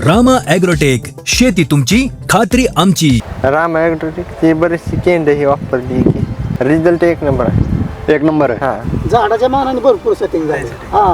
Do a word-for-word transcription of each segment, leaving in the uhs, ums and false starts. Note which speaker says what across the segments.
Speaker 1: Rama agrotech, शेती तुमची खात्री आमची.
Speaker 2: रामा ॲग्रोटेकची बरीचशी केंद्र ही वापरली की रिझल्ट एक नंबर आहे.
Speaker 3: एक नंबर आहे.
Speaker 2: हां
Speaker 4: झाडाच्या मानाने भरपूर सेटिंग झाली. हा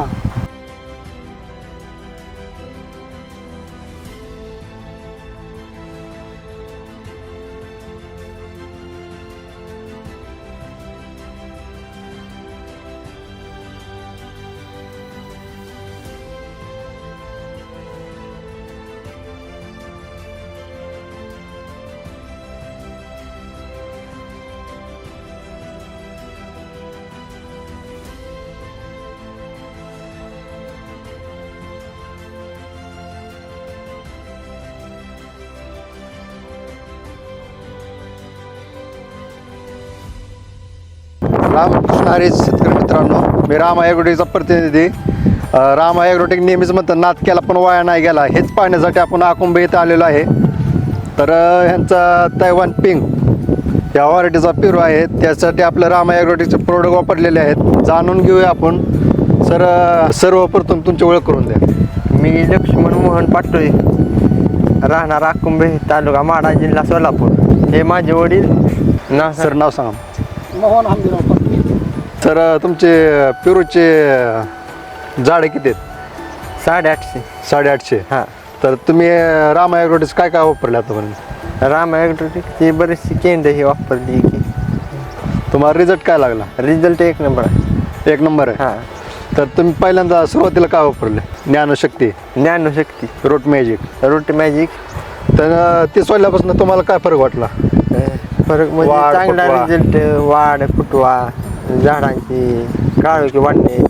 Speaker 3: रामकृष्ण हरी शेतकरी मित्रांनो, मी राम ॲग्रोटेकचा प्रतिनिधी. अ, राम ॲग्रोटेक नेहमीच म्हणतात नाद केला पण वाया नाही गेला. हेच पाहण्यासाठी आपण आकुंभे इथं आलेलो आहे. तर अ, ह्यांचा तैवान पिंग या व्हरायटीचा पेरू आहे, त्यासाठी आपलं राम ॲग्रोटेकचे प्रोडक्ट वापरलेले आहेत. जाणून घेऊया आपण. सर अ, सर्वप्रथम तुमची ओळख करून द्या.
Speaker 2: मी लक्ष्मण मोहन पाटोळे, राहणार आकुंभे, तालुका माढा, जिल्हा सोलापूर. हे माझे वडील. नाव
Speaker 3: सर नाव सांगा.
Speaker 4: मोहन हमदिराव पाटील.
Speaker 3: तर अ, तुमचे पेरूचे अ, झाडे किती आहेत?
Speaker 2: साडेआठशे.
Speaker 3: साडेआठशे.
Speaker 2: हां
Speaker 3: तर तुम्ही अ, राम ॲग्रोटेक काय काय वापरले आतापर्यंत?
Speaker 2: रामा ॲग्रोटेकची बरीचशी केंद्र ही वापरली की
Speaker 3: तुम्हाला रिझल्ट काय लागला?
Speaker 2: रिझल्ट एक नंबर आहे.
Speaker 3: एक नंबर आहे.
Speaker 2: हां
Speaker 3: तर तुम्ही पहिल्यांदा सुरुवातीला काय वापरले? Gyanshakti,
Speaker 2: Gyanshakti,
Speaker 3: root magic.
Speaker 2: Root magic.
Speaker 3: तर अ, ते सोडल्यापासून तुम्हाला काय फरक वाटला?
Speaker 2: फरक म्हणजे
Speaker 3: वाढ,
Speaker 2: चांगला
Speaker 3: फुटवा.
Speaker 2: रिझल्ट. वाढ, फुटवा, झाडांची काळोखी वाढणे.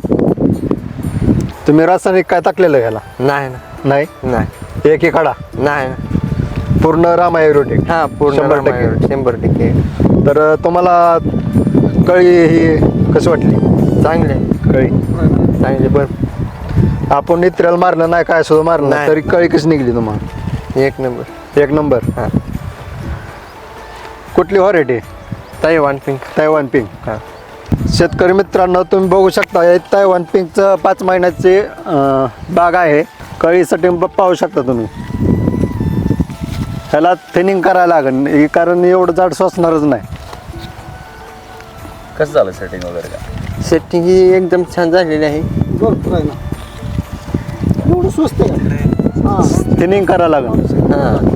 Speaker 3: तुम्ही रासायनिक काय टाकलेलं ह्याला?
Speaker 2: नाही ना.
Speaker 3: नाही.
Speaker 2: नाही
Speaker 3: एक एक खडा
Speaker 2: नाही ना.
Speaker 3: पूर्ण राम ॲग्रोटेक.
Speaker 2: हां पूर्ण
Speaker 3: शंभर
Speaker 2: रामा
Speaker 3: टक्के.
Speaker 2: ॲग्रो- शंभर टक्के
Speaker 3: तर अ, तुम्हाला कळी ही कशी वाटली?
Speaker 2: चांगले
Speaker 3: कळी
Speaker 2: चांगले बरं.
Speaker 3: आपण नित्र्याला मारलं नाही, काय सुद्धा मारलं नाही,
Speaker 2: नाही.
Speaker 3: तरी कळी कशी निघली तुम्हाला?
Speaker 2: एक नंबर.
Speaker 3: एक नंबर.
Speaker 2: हां
Speaker 3: कुठली variety?
Speaker 2: Taiwan pink.
Speaker 3: Taiwan pink.
Speaker 2: हां
Speaker 3: शेतकरी मित्रांनो, तुम्ही बघू शकता हे तैवान पिंकचं पाच महिन्याचे अं, बाग आहे. कळीसाठी ब- पाहू शकता तुम्ही. ह्याला थिनिंग करायला लागेल, हे कारण एवढं झाड सोसणारच नाही.
Speaker 5: कसं झालं सेटिंग वगैरे का?
Speaker 2: सेटिंग ही एकदम छान झालेली आहे.
Speaker 4: भरपूर आहे ना. एवढं स्वस्त आहे. हा
Speaker 3: थिनिंग करायला लागेल.
Speaker 2: हां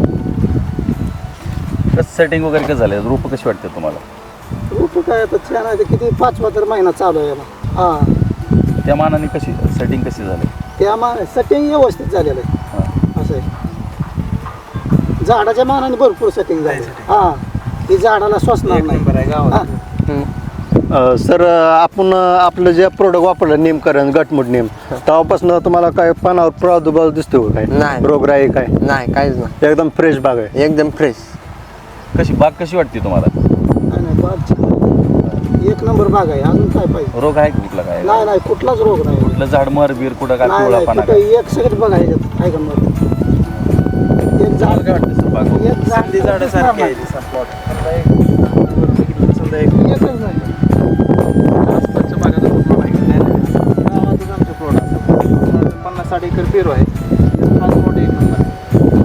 Speaker 5: कसं सेटिंग वगैरे कसं झालं? रूप कशी वाटते तुम्हाला?
Speaker 4: रूप काय आता छान आहे. ते किती पाचवा तर महिना चालू आहे याला. हा
Speaker 5: त्या मानाने कशी सेटिंग कशी झाली?
Speaker 4: त्या मा सेटिंग व्यवस्थित झालेलं आहे.
Speaker 5: हां.
Speaker 4: असं आहे. झाडाच्या मानाने भरपूर सेटिंग झाली. हा ती झाडाला स्वसणार नाही. हा.
Speaker 3: अं, सर आपण अं, आपलं जे प्रोडक्ट वापरलं नेमकरण गटमुट नेम, तेव्हापासून तुम्हाला काय पानावर प्रादुर्भाव दिसतो का? काय
Speaker 2: नाही.
Speaker 3: रोगराई काय?
Speaker 2: नाही काहीच नाही.
Speaker 3: एकदम फ्रेश बाग आहे.
Speaker 2: एकदम फ्रेश.
Speaker 5: कशी बाग कशी वाटते तुम्हाला?
Speaker 4: नाही नाही बाग छान आहे. एक नंबर बाग आहे. अजून काय पाहिजे?
Speaker 5: रोग आहे का कुठला काय?
Speaker 4: नाही नाही कुठलाच रोग नाही.
Speaker 5: कुठलं झाड मर बीर कुठं काय
Speaker 4: नाही
Speaker 5: पिवळा
Speaker 4: नाही
Speaker 5: पाना
Speaker 4: कुठं
Speaker 5: काय?
Speaker 4: एक सेकंड बघा ह्याच्यात आहे का मग? एक
Speaker 5: तुम्हाला
Speaker 4: झाड
Speaker 5: काय वाटतं सर बाग बघून?
Speaker 4: एक झाड एकच नाही.
Speaker 6: पन्नास साठ एकर पेरू आहे. आज मोठे एक नंबर आहे.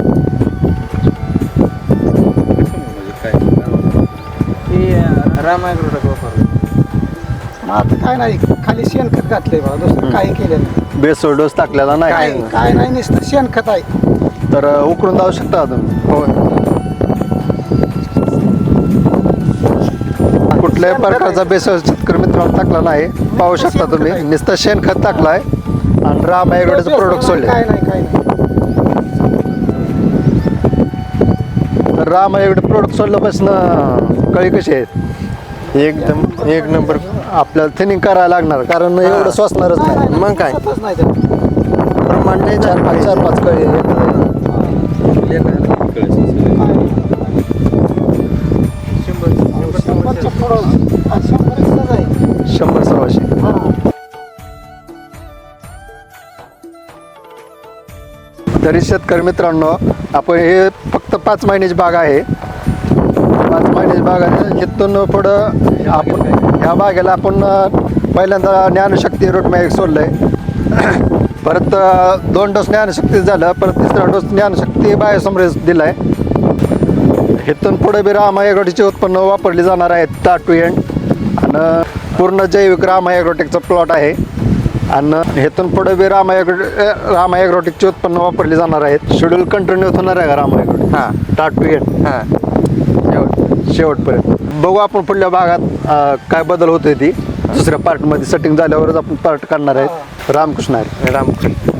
Speaker 5: म्हणजे काय?
Speaker 6: हे रामा ॲग्रोटेक वापरलं.
Speaker 4: मग आता काय नाही खाली शेणखत घातलंय बघा. दुसरं काही केलं नाही.
Speaker 3: बेसोड डोस टाकलेला नाही.
Speaker 4: काय काय नाही नुसतं शेणखत आहे.
Speaker 3: तर अं, उकळून जाऊ शकता तुम्ही.
Speaker 2: हो
Speaker 3: कुठल्याही प्रकारचा बेसळ शेतकरी मित्रांनो टाकला नाही. पाहू शकता तुम्ही. नुसतं शेणखत टाकलाय आणि राम ॲग्रोटेकचं प्रोडक्ट सोडले.
Speaker 4: काय नाही काय नाही.
Speaker 3: तर राम ॲग्रोटेक प्रोडक्ट सोडल्यापासून कळी कशी आहेत?
Speaker 2: एकदम एक नंबर.
Speaker 3: आपल्याला थिनिंग करायला लागणार, कारण एवढं स्वसणारच
Speaker 4: नाही,
Speaker 3: नाही.
Speaker 4: नाही,
Speaker 2: मग काय?
Speaker 4: स्वतःच नाही त्यात.
Speaker 2: प्रमाण लय
Speaker 3: चार पाच चार पाच कळी
Speaker 4: शंभरच्या पुढं. हा, शंभर एकच आहे.
Speaker 3: शंभर सव्वाशे.
Speaker 4: हा.
Speaker 3: तरी शेतकरी मित्रांनो, आपण हे फक्त पाच महिन्याची बाग आहे. पाच महिन्याची बाग आहे. इथून पुढं आपण ह्या बागेला आपण पहिल्यांदा ज्ञानशक्ती रूट मॅजिक सोडलंय. परत अ, दोन डोस ज्ञानशक्ती झालं, परत तिसरा डोस ज्ञानशक्ती बायोसमरेस दिलाय. इथून पुढे बी रामा ॲग्रोटेकचे उत्पन्न वापरली जाणार आहेत स्टार्ट टू एंड. आणि पूर्ण जैविक रामा ॲग्रोटेकचा प्लॉट आहे. आणि इथून पुढे बी रामा ॲग्रो रामा ॲग्रोटेकचे उत्पन्न वापरली जाणार आहेत. शेड्यूल कंटिन्यू होणार आहे का रामा ॲग्रोटेक?
Speaker 2: हां
Speaker 3: स्टार्ट टू एंड
Speaker 2: हां शेवट
Speaker 3: शेवटपर्यंत. बघू आपण पुढल्या भागात अ, काय बदल होतोय ती दुसऱ्या पार्टमध्ये सेटिंग झाल्यावरच आपण पार्ट काढणार आहेत. रामकृष्ण हरी.
Speaker 2: रामकृष्ण.